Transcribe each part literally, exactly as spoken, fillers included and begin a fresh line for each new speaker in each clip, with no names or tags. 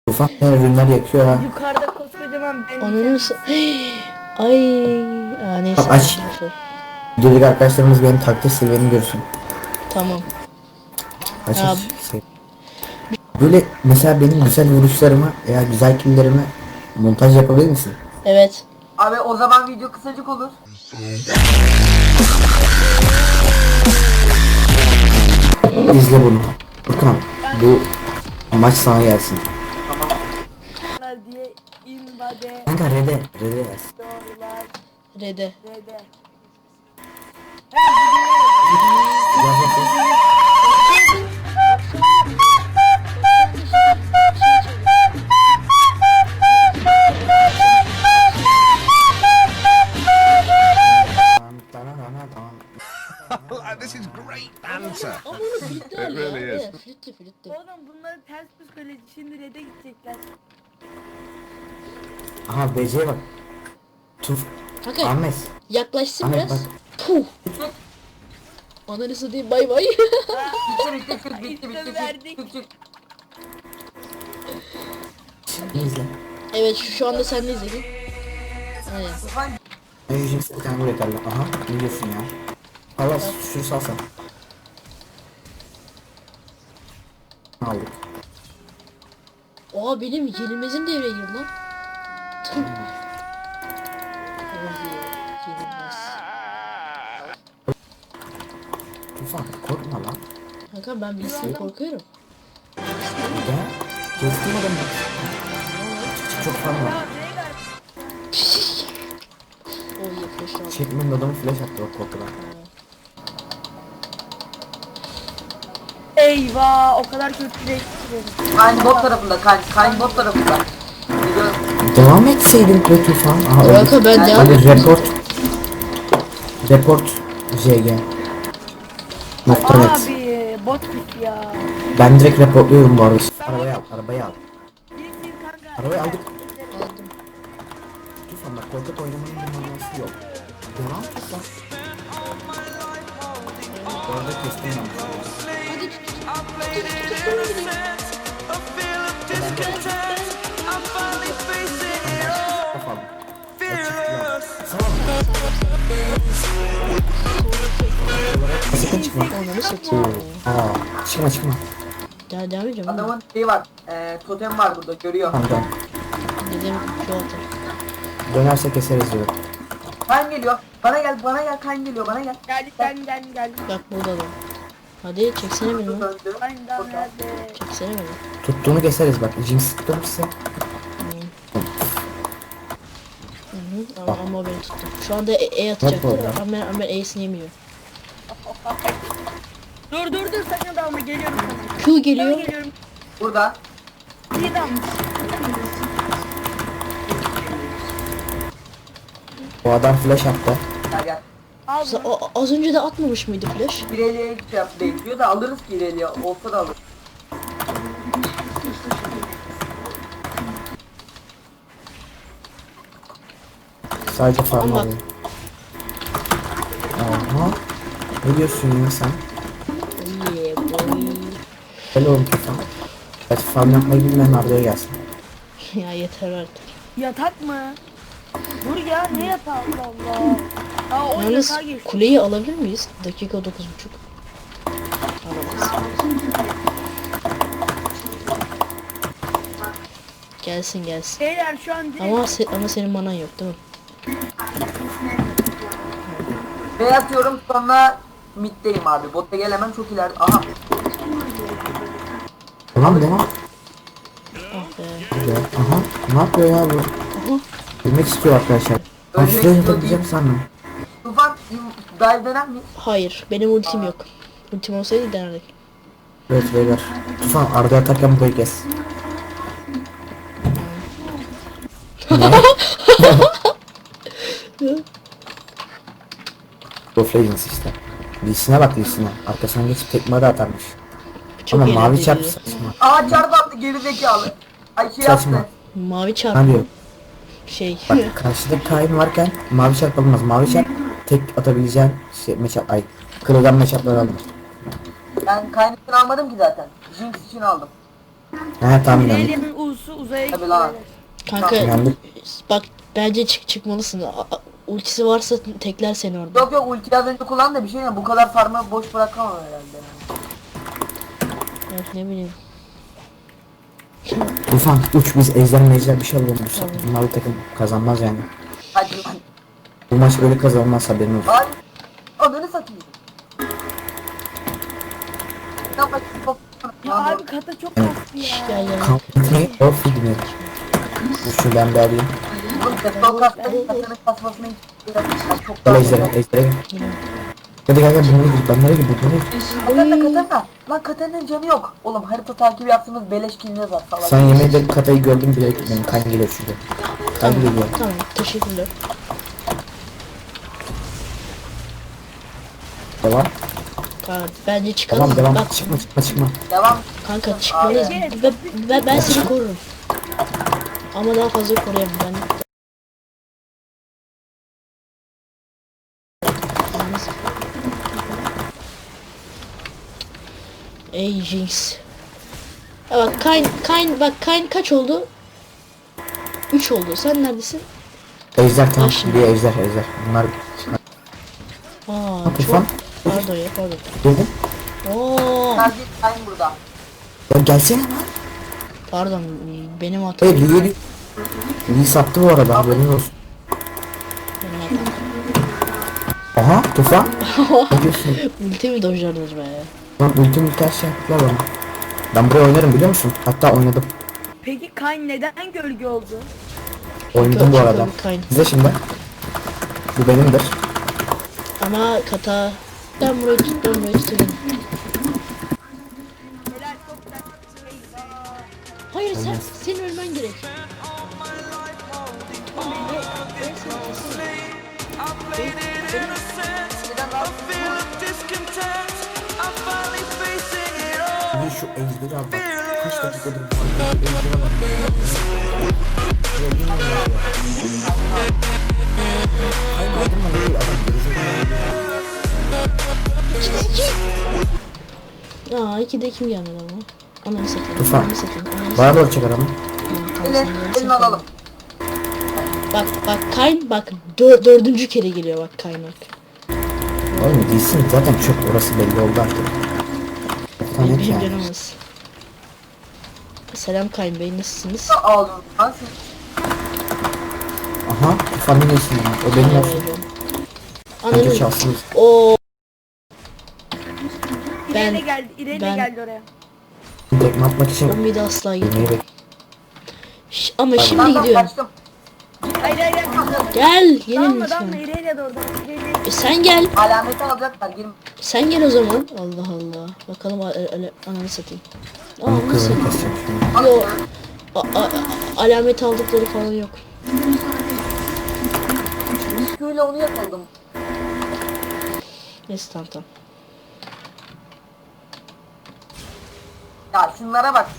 Tufan ürünler yakıyor ha.
Yukarıda koskocaman ben.
Onun s- ay Aa, neyse.
Aç.
neyse.
Videodaki arkadaşlarımız benim takdir seviyemi görsün.
Tamam.
Aç
Ya-
aç. Şey. Böyle mesela benim güzel vuruşlarımı veya güzel killerimi montaj yapabilir misin?
Evet.
Abi o zaman video kısacık olur.
İzle bunu. Furkan bu maç sana gelsin.
diye invade
Kanka rede. Rede yaz.
doğrular
Rede.
dede.
Yaz yaz yaz.
This is great banter.
Ama onu flütler
It
ya.
really is.
Evet, flütlü flütlü.
Oğlum bunların ters psikoloji şimdi red'e gidecekler.
Aha B C'ye bak. Tuf.
Kanka
Ahmet.
yaklaşsın
Ahmet
biraz.
bak.
Puh. Ananı satayım bay bay.
Bitti bitti bitti bitti bitti
verdik.
bitti bitti.
İzle.
Evet şu, şu anda sen de izledin. Aynen.
Tufan
Ben yüzüm bir tane buraya kaldı. Aha ne diyorsun ya? Allah şunu salsan. Aldık.
Oha benim yenilmezim devreye girdi lan. Tüh. Oh yeah, yenilmez.
Tufan korkma lan.
Kanka ben bilsin korkuyorum.
Ya. Kestim adamı. Çok fan var.
Ya Veigar
Oh yeah flash aldım.
Çekmenin adamı flash attı bak korkudan.
eyvah o kadar kötü bir eksiklerim.
Kayn bot tarafında Kayn Kayn bot tarafında. Biliyorum.
Devam etseydin be Tufan. Aha öyle.
Kanka ben devam
Hadi report. Report J G. Nokta net.
Abi bot git ya.
Ben direkt reportluyorum bu arada. Arabayı al, arabayı al.
Gitsin kanka.
Arabayı aldık.
aldım.
Tufan bak korkak oynamanın bir manası yok. Devam Tufan. Bu arada kestim ben.
Hadi tut. Tut tut tut sonra gideyim.
Kafam. Tamam. Sakın çıkma.
Ananı satayım.
Aa, çıkma çıkma.
Devam devam edeceğim. Adamın
Adamın şeyi var. Eee totem var burada görüyor.
Tamam tamam.
dedim şu atar.
Dönerse keseriz diyor.
Kayn geliyor. Bana gel bana gel Kayn geliyor bana gel.
Geldik geldim geldim geldim.
Bak burada da. Hadi çeksene beni lan.
Döndü.
Aynen nerede?
Çeksene beni.
Tuttuğunu keseriz bak. Jinx tutturursa.
Hı hı. Ama, ama beni tuttu. Şu anda E, e atacaktır
Bak orada.
ama ben, ama ben E'sini yemiyor.
Dur dur dur sakın dalma geliyorum sana.
Q
Sana
geliyor.
geliyorum.
Burada.
Bir dalmış.
O adam flash attı.
Gel gel.
Al
Sa-
bunu.
o- az önce de atmamış mıydı flash?
İleriye şey yap bekliyor da alırız ki ileriye. Olsa da alırız.
Sadece farm
Ama bak.
alıyor. Aha. Ne diyorsun ya sen?
Yeah boy.
Öyle oğlum Tufan. Hadi farm yapmayı bilmeyen Arda'ya gelsin.
Ya yeter artık.
Yatak mı? Dur ya ne yatağı Allah Allah. Aa o
Yalnız
yatağa geçti.
kuleyi alabilir miyiz? Dakika dokuz buçuk. Alamaz. Gelsin gelsin.
Beyler şu an direkt
Ama se- ama senin manan yok değil mi?
B atıyorum sonra middeyim abi. Botta gelemem çok ileride. Aha.
Tamam devam.
Ah be.
Güzel. Aha. Ne yapıyor ya bu?
Aha.
Bilmek istiyor arkadaşlar. Ben
Ölmek
şuraya
istiyor
yapabileceğim
değil.
sandım.
Tufan dive denen mi?
Hayır benim ultim yok. Ultim olsaydı denerdik.
Evet beyler. Tufan Arda atarken burayı kes. Ne? Of Legends işte. Lee'sine bak Lee'sine. Arkasına geçip tekme de atarmış.
Çok
Ama mavi
eğlenceli.
çarp saçma.
Aa çarp attı geri zekalı. Ay şey
Saçma.
yaptı.
Mavi
Ne
çarpı
diyor?
şey.
Bak karşıda Kayn varken mavi çarp alınmaz. Mavi çarp tek atabileceğin şey matchup ay. Kırılgan matchup'ları alır.
Ben kaynakını almadım ki zaten. Jinx için aldım.
He tamam inandık.
İrelia'nın U'su uzaya
Tabii
gitti.
lan.
Kanka
İnandık.
bak bence çık çıkmalısın. A- a- ultisi varsa tekler seni orada.
Yok yok ulti az önce kullan da bir şey ya bu kadar farmı boş bırakamam herhalde. Yani.
Yok ne bileyim.
Tufan uç biz ejder mejder bir şey alalım. Bu Bunlarla takım kazanmaz yani.
Hadi lan.
Bu maç böyle kazanmaz haberin olsun.
Ay. Ananı satayım. Ya bak, bak,
Ya abi kata çok kastı ya.
Gel gel.
Company of Figment. Dur şunu ben bir alayım.
Oğlum defol kastayı kasanın kasmasına hiç çok
Gel
daha
ejdere ejdere gel. Hadi gel gel bunlara gir bunlara gir bunlara gir.
Katerina Katerina. Lan Katerina'nın canı yok. Oğlum harita takibi yaptığımız beleş kiliniz var falan.
Sen yemin ederim katayı gördüm bile benim kan geliyor şurada. Kan geliyor.
Tamam teşekkürler.
Devam.
Kanka bence çıkalım.
Tamam devam.
Bak
Çıkma çıkma çıkma.
Devam.
kanka çıkmalıyız.
Abi.
Ve, ve ben seni korurum. Ama daha fazla koruyamam ben. Yalnız- Ey Jinx. Ya bak Kayn, Kayn bak Kayn kaç oldu? üç oldu. Sen neredesin?
Ejder tamam.
Başla.
Bir ejder ejder. Bunlar
Aa
Tufan.
çok pardon ya pardon.
Dedim.
Oo
Sen git sen burada.
Ya gelsene lan.
pardon benim hatam.
Hey Lee Lee sattı bu arada haberin olsun.
Benim hatam.
Aha Tufan. Ne diyorsun?
Ulti mi dojladınız be?
Lan ultim ters şey yaptılar bana. Ben buraya oynarım biliyor musun? Hatta oynadım.
Peki Kayn neden gölge oldu?
Oynadım bu
Çok
arada.
komik Kayn.
Size şimdi. Bu benimdir.
Ama kata ben burayı tut ben burayı tutayım.
Helal çok güzel. Eyvah.
Hayır sen
Olmaz.
senin ölmen gerek.
Bir şu ejderi al bak. Kaç dakikadır bu ejdere bak. Ya bilmiyorum ya. Hayır aldırma değil adam gerizekalı.
Aa ikide kim gelmedi ama? Ananı satayım.
Tufan.
Ananı satayım. Ananı
Bana
satayım.
doğru çek adamı.
Tamam,
Elin,
sen gelsin,
elini alalım.
Bak bak Kayn bak dör, dördüncü kere geliyor bak Kayn bak.
Oğlum değilsin zaten çöp orası belli oldu artık. Tamam
Benim
yani.
canım az. Selam Kayn Bey nasılsınız?
Ne ağlıyorsun lan sen?
Aha Tufan'ın neysin ya? O benim olsun. Bence
Ananı.
çalsın.
Oo.
İrelia
Ben-
geldi. İrelia
ben-
geldi oraya.
Tekme atmak için
O mide asla gitmiyor.
yemeği bek.
Ş- Ama şimdi
Ben ben
gidiyorum.
kaçtım.
Hayır hayır hayır.
Gel gelin
Dalma
lütfen.
dalma İrelia da orada. İrelia.
E sen gel.
Alameti alacaklar. Girme.
Sen gel o zaman. Allah Allah. Bakalım a- a- ananı satayım. Aa,
Ama
nasıl?
kızını keseceğim şimdi.
Yo. A- a- a- alamet aldıkları falan yok.
Şöyle onu yakaladım.
Neyse tamam tamam.
Ya şunlara bak.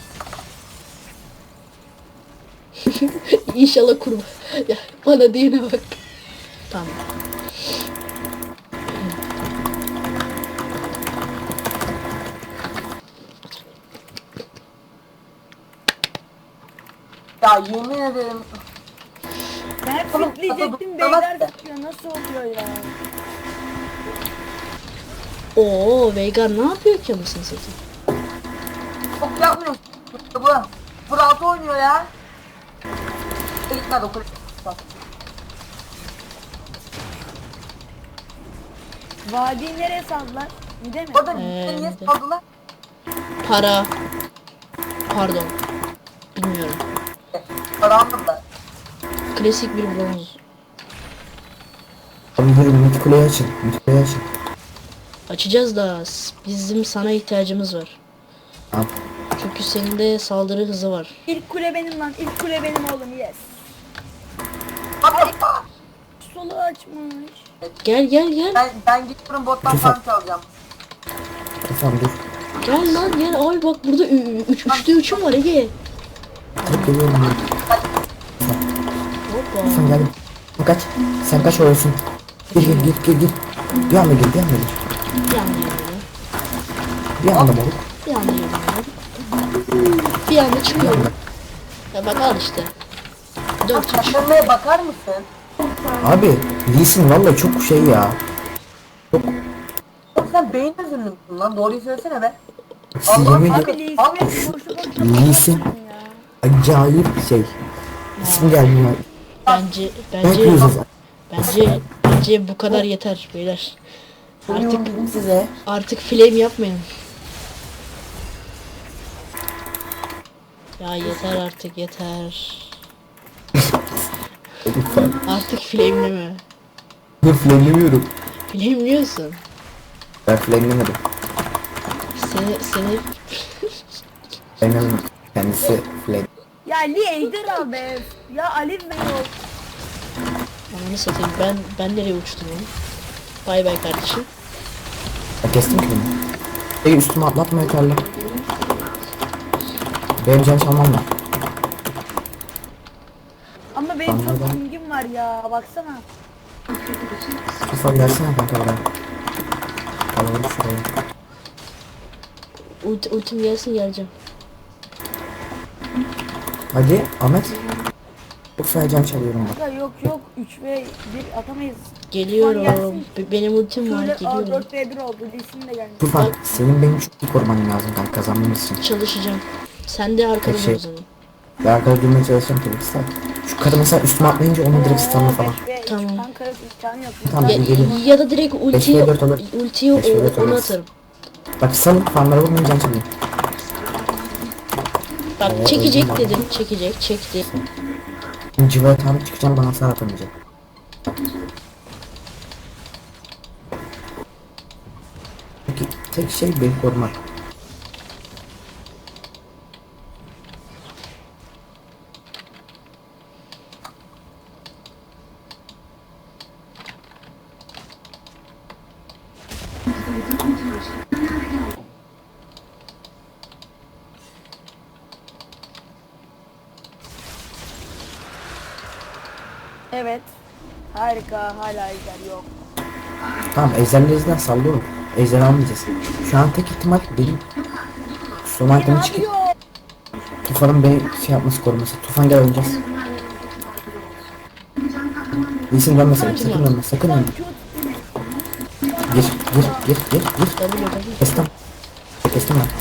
İnşallah kurba. Ya bana diyene bak. Tamam.
Ya yemin ederim.
Ben
Oğlum,
fitleyecektim
kafa
beyler
tutmaz
tutuyor. Nasıl oluyor ya?
Oo Veigar ne yapıyor ki anasını satayım?
Çok yapmıyor. Bu. Bu rahat oynuyor ya. Gitmedi okul.
Vadiyi nereye saldılar? Mide mi?
Orada
Ee,
bizi niye
bir de-
saldılar?
Para. Pardon. Bilmiyorum.
Para almadılar.
Klasik bir bronz.
Abi yürü mid kuleyi açın. Mid kuleyi açın.
Açacağız da s- bizim sana ihtiyacımız var.
Tamam.
Çünkü senin de saldırı hızı var.
İlk kule benim lan. İlk kule benim oğlum. Yes. Solu açmış.
Gel gel gel.
Ben, ben gidiyorum bottan
Tufan.
farm çalacağım.
Tufan dur.
Gel lan gel. Ay bak burada ü- ü- üç, üçte üçüm var Ege.
Tek geliyorum ya.
Hoppa.
Tufan gel. Kaç. Sen kaç olsun. Gir gir gir gir gir. Bir anda gir bir anda gir.
Bir anda geliyor.
Bir anda moruk.
Bir anda geliyor. Bir anda çıkıyorum. Ya bak al işte. dört üç.
Saklanmaya bakar mısın?
Abi Lee Sin vallahi çok şey ya. Çok
Oğlum sen beyin özürlü müsün lan? Doğruyu söylesene be.
yemin
Allah-
ediyorum
Abi Lee'sine boşu boşuna
Lee Sin
bakıyorsun ya.
acayip bir şey. İsim gelmiyor.
Bence
Ben
bence
yüzüz.
bence bence bu kadar yeter beyler. Artık
Artık dedim size.
artık flame yapmayın. Ya yeter artık yeter.
Lütfen.
Artık flameleme.
Dur flanlemiyorum.
Flameliyorsun.
Ben flanlemedim.
Seni seni
Flanlemedim. Kendisi flan.
Ya Lee ejder al be. Ya Alif Bey ol.
ananı satayım. Ben ben nereye uçtum oğlum? Bay bay kardeşim.
Ben kestim ki bunu. Ey üstüme atlatma yeterli. Benim can çalmam var.
Ama benim çok
Anladım.
pingim var ya. Baksana.
Tufan gelsene kanka buraya. Alalım şurayı.
Ulti, ultim gelsin geleceğim.
Hadi Ahmet. Çok fena can çalıyorum bak.
Ya yok yok. üç ve bir atamayız.
Geliyorum.
gelsin.
Be- Benim ultim var
Şöyle aa,
geliyorum.
dört ve bir oldu. Lee'sin de gelmiş.
Tufan senin benim çok iyi koruman lazım kanka kazanmamız için.
Çalışacağım. Sen de arkada
Şey-
dur o zaman.
Ben arkada durmaya çalışacağım tabii ki. Şu kadın mesela üstüme atlayınca onu direkt stunla falan.
Tamam.
Kanka imkanı yok.
Tamam
Ya,
ben geleyim.
ya da direkt ultiyi
beş ve dört olur.
ultiyi
beş ve dört
o- ona
olur.
atarım.
Bak salın fanlara vurmayın can çalayım.
Bak
Evet,
çekecek
öldüm
dedim. Çekecek. Çekti.
Şimdi civaya tanrı çıkacağım bana hasar atamayacak. Peki tek şey beni korumak.
Evet. Harika. Hala ejder yok.
Tamam ejderlerinden sallıyorum. Ejder almayacağız. Şu an tek ihtimal benim son
Ne
itemi çıkıp
yapıyor?
Tufan'ın beni şey yapması koruması. Tufan gel oynayacağız. İyisin dönme sakın, sakın dönme, sakın dönme. Gir, gir, gir, gir, gir.
W W.
Kestim. Kestim ben.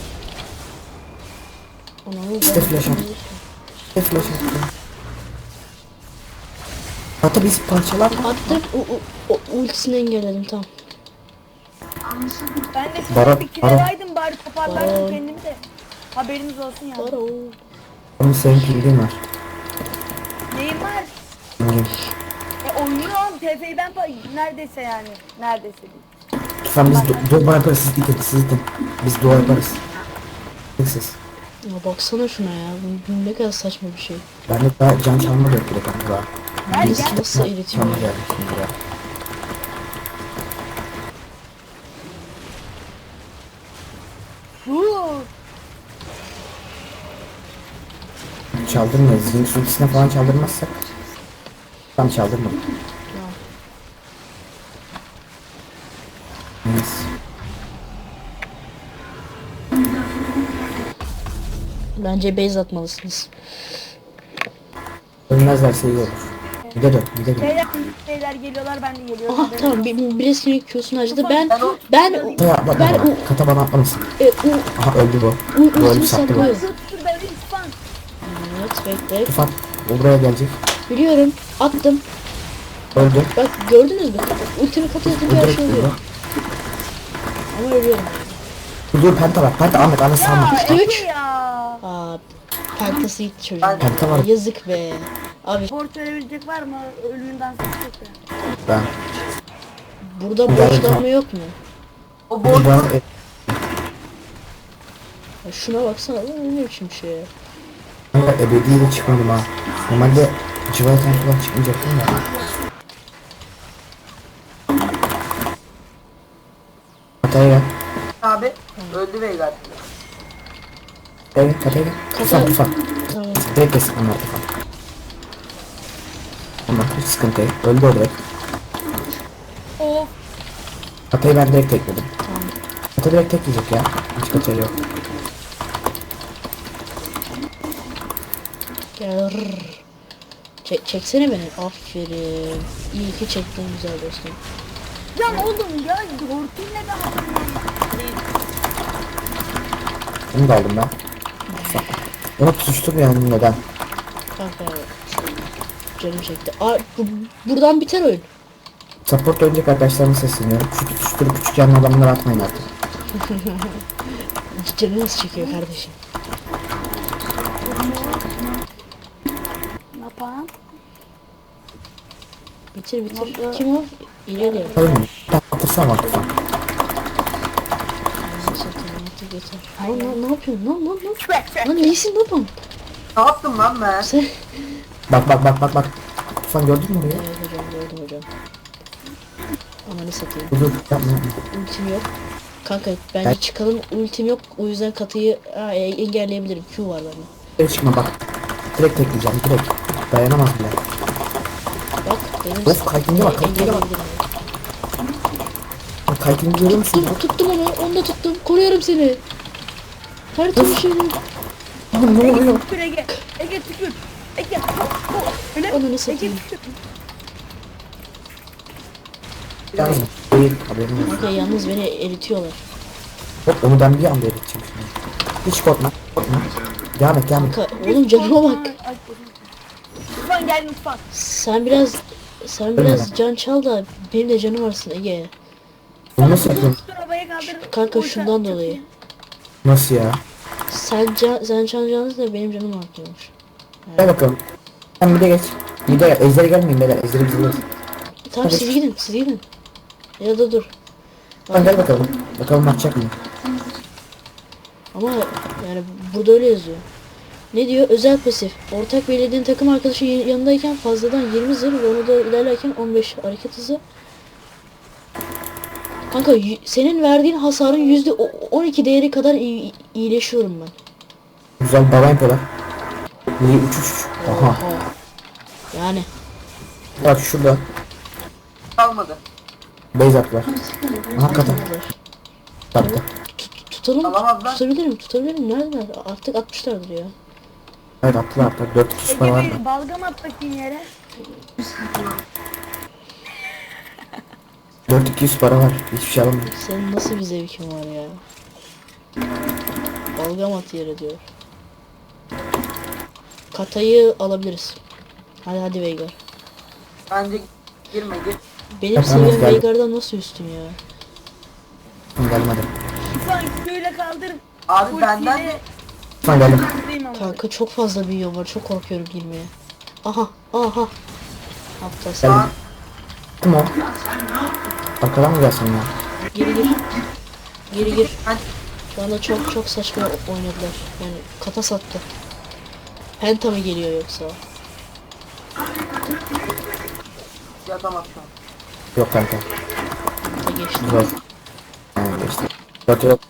Onu
İşte flash at. İşte flash at. Hatta biz parçalar.
attım. O, o, o ultisini engelledim tamam.
Ben de
Baron,
şurada bir kere
Baron.
verdim bari toparlardım
Baron.
kendimi de. Haberiniz olsun ya.
Var o.
Onun senin pilgin var.
Neyim var?
Pilgin.
E oynuyorum. T F'yi ben pa- neredeyse yani. Neredeyse değil.
Tufan biz do- dua yaparız, siz dikkat, siz dikkat. Biz dua yaparız. Siz.
Ya baksana şuna ya. Bu, bu ne kadar saçma bir şey.
Ben de daha can çalma da yok bile kanka daha.
Gel
Biz
gel.
nasıl eğitiyor
Çalma
ya?
geldi şimdi ya.
Huu.
Çaldırmayız. Zinx ultisine falan çaldırmazsak. Tam çaldırmadım. Neyse.
Bence base atmalısınız.
Ölmezlerse iyi olur. Bir de dön, bir de dön.
Beyler, beyler geliyorlar ben de geliyorum.
Aha
Haberiniz
tamam
olsun.
bir, birisinin Q'sunu harcadı. Ben ben
Kata atma
ben
bana.
o
Kata bana atlamasın.
e, o
Aha öldü bu.
u-
Bu öldü
ultimi
sattı bu.
saklıyor.
Dur dur ben lütfen.
Evet bekle.
Tufan o buraya gelecek.
Biliyorum. Attım.
Öldü.
Bak gördünüz mü? Ultimi katı
Bu
yapınca her
direkt
şey
öldü.
oluyor. Ama ölüyorum.
Dur dur penta var. Penta Ahmet Ahmet salma.
Ya
Üç.
Efe ya.
Aa, pentası gitti çocuğun.
Penta var.
Yazık be. Abi
Port verebilecek var mı? Ölümünden sıkıntı.
Ben.
burada
Gel,
borçlanma yok mu?
O board
Ben
Ya şuna baksana lan ne biçim şey ya.
Kanka ebediyle çıkmadım ha. Normalde civardan falan çıkmayacaktım ya. Kataya gel.
abi öldü Veigar.
Evet kataya gel. Tufan tufan.
Tamam.
Direkt kesin onlar tufan. Tamam hiç sıkıntı yok. Öldü o direkt.
Of.
Katayı ben direkt tekledim. Kata direkt tek yiyecek ya. Hiç kataya yok.
Ya, rrr. Çek, çeksene beni. Aferin. İyi ki çektin güzel dostum.
Can oğlum ya hortum ne ben
Bunu da aldım ben. Onu tutuştum yani neden?
Kanka canım çekti. Aa, bu, buradan biter oyun.
Support oynayacak arkadaşlarıma sesleniyorum. Şu tutuşturup küçük yanlı adamları atmayın artık.
Canınız çekiyor kardeşim.
ne yapayım?
Bitir bitir. Kim o? İleri.
Tabii mi? Atırsam atırsam.
Lan lan ne yapıyorsun? Lan lan lan. Lan neysin babam?
Ne yaptım lan ben?
Sen...
Bak bak bak bak bak. Sen gördün mü orayı?
Evet hocam gördüm hocam. Amanı satayım.
Dur dur yapma yapma.
Ultim yok. Kanka bence çıkalım. Ultim yok. O yüzden katıyı aa, e- engelleyebilirim. Q var bende.
Geri çıkma bak. Direkt tekleyeceğim direkt. Dayanamaz bile.
Bak benim
Of, kaykınca bak, kaykınca bak.
engelleyebilirim.
Bak kaykını görüyor musun?
Tuttum, tuttum onu. Onu da tuttum. Koruyorum seni. Her türlü şeyini.
Lan ne oluyor?
Tükür Ege. Ege tükür. Ege. Öyle.
Ananı
Ege
satayım.
tükür.
Yalnız değil haberin olsun.
Kanka yalnız beni eritiyorlar.
Hop onu ben bir anda eriteceğim şimdi. Hiç korkma korkma. Devam et devam et.
Kanka oğlum canıma bak.
Ay, Lütfen gel lütfen.
Sen biraz sen biraz can çal da benim de canım varsın Ege.
Bunu nasıl yapıyorsun?
Dur arabaya kaldır.
Kanka
Oysa-
şundan
çok
dolayı.
iyi.
Nasıl ya?
Sen can sen çalacağınız da benim canım artıyormuş.
Gel bakalım. Sen bir de geç. Bir de gel. Ejder'e gelmeyin beyler. Ejder'e biz alırız.
Tamam
Hadi.
siz gidin siz gidin. Ya da dur.
Sen gel bakalım. Bakalım atacak mı?
Ama yani burada öyle yazıyor. Ne diyor? Özel pasif. Ortak belirlediğin takım arkadaşı yan- yanındayken fazladan yirmi zırh ve onu da ilerlerken on beş hareket hızı. Kanka y- senin verdiğin hasarın yüzde on iki değeri kadar iyi- iyileşiyorum ben.
Güzel baba yapıyorlar. Niye üç üç? Aha.
Oha. Yani
Bak şurada.
Kalmadı.
Base attılar. Hakikaten. Attı.
tut- tutalım.
Alamazlar.
Tutabilirim tutabilirim. Neredeler? Artık atmışlardır ya.
Evet attılar attılar. dört kişi
Ege
para var.
bir balgam at bakayım yere.
dört iki yüz para var. Hiçbir şey alamıyorum.
Senin nasıl bir zevkin var ya? Balgam at yere diyor. Katayı alabiliriz. Hadi hadi Veigar.
Bence girme gir.
Benim
Tamam,
seviyem
geldim.
Veigar'dan nasıl üstün ya?
Gelmedi.
Lütfen şöyle kaldır.
Abi
Ultiyle
benden de
Lütfen geldim.
kaldırayım ama.
Kanka çok fazla büyüyor var. Çok korkuyorum girmeye. Aha aha. Aptal
şu an
sen.
Kim o? Arkadan mı gelsin ya?
Geri gir. Geri gir.
ben
Şu anda çok çok saçma oynadılar. Yani kata sattı. Penta mı geliyor yoksa?
yatamaz şu an.
Yok kanka.
Kata geçti.
Zor. Yani işte. Dört yok.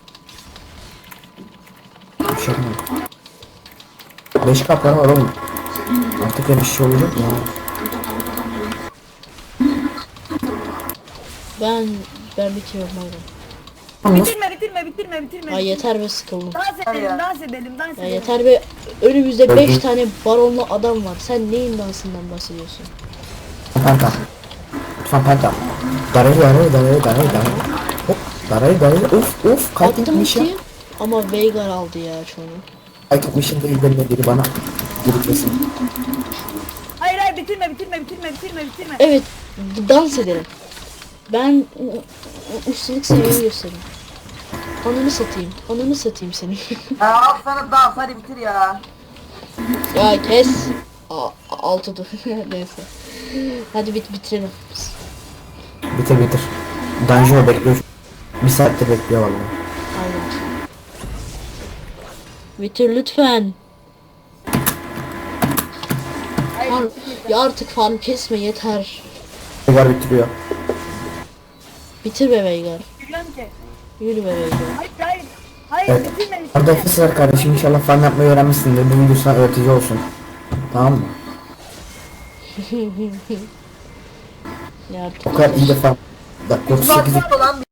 Bir şey yapmadım. Beş kaplar var oğlum. Artık öyle bir şey olacak ya.
Ben ben bitiriyorum hayvan.
Lan nasıl?
Bitirme bitirme bitirme bitirme.
Ay yeter be sıkıldım.
Dans edelim
ya.
dans edelim dans
Ya
edelim.
yeter be önümüzde beş
Öldüm.
tane baronlu adam var. Sen neyin dansından bahsediyorsun?
Penta. Lütfen penta. Darayı darayı darayı darayı darayı. Hop. Darayı darayı. Uf uf. Kayıt
Attım
etmişim.
ultiyi ama Veigar aldı ya çoğunu.
Kayıt etmişim değil benimle biri bana. Biriklesin.
Hayır hayır bitirme bitirme bitirme bitirme bitirme.
Evet d- dans edelim. Ben u- u- ustalık seviyemi göstereyim. Ananı satayım. Ananı satayım seni.
Ya al sana dans hadi bitir ya.
Ya kes. A altı dur. Neyse. Hadi bit bitirelim.
Bitir bitir. Dungeon'u bekliyor. Bir saattir bekliyor vallahi.
Aynen. Bitir lütfen. Far, ya artık farm kesme yeter.
Veigar bitiriyor.
Bitir be Veigar.
Bilmiyorum ki.
Yürü be Veigar.
Hayır hayır. Hayır
Evet.
bitirme
Arada
bitirme.
Efes var kardeşim, inşallah fan yapmayı öğrenmişsindir. Bu video sana öğretici olsun. Tamam mı?
Ya
O kadar iyi de fan. Dakika otuz sekizde
Uzakta lan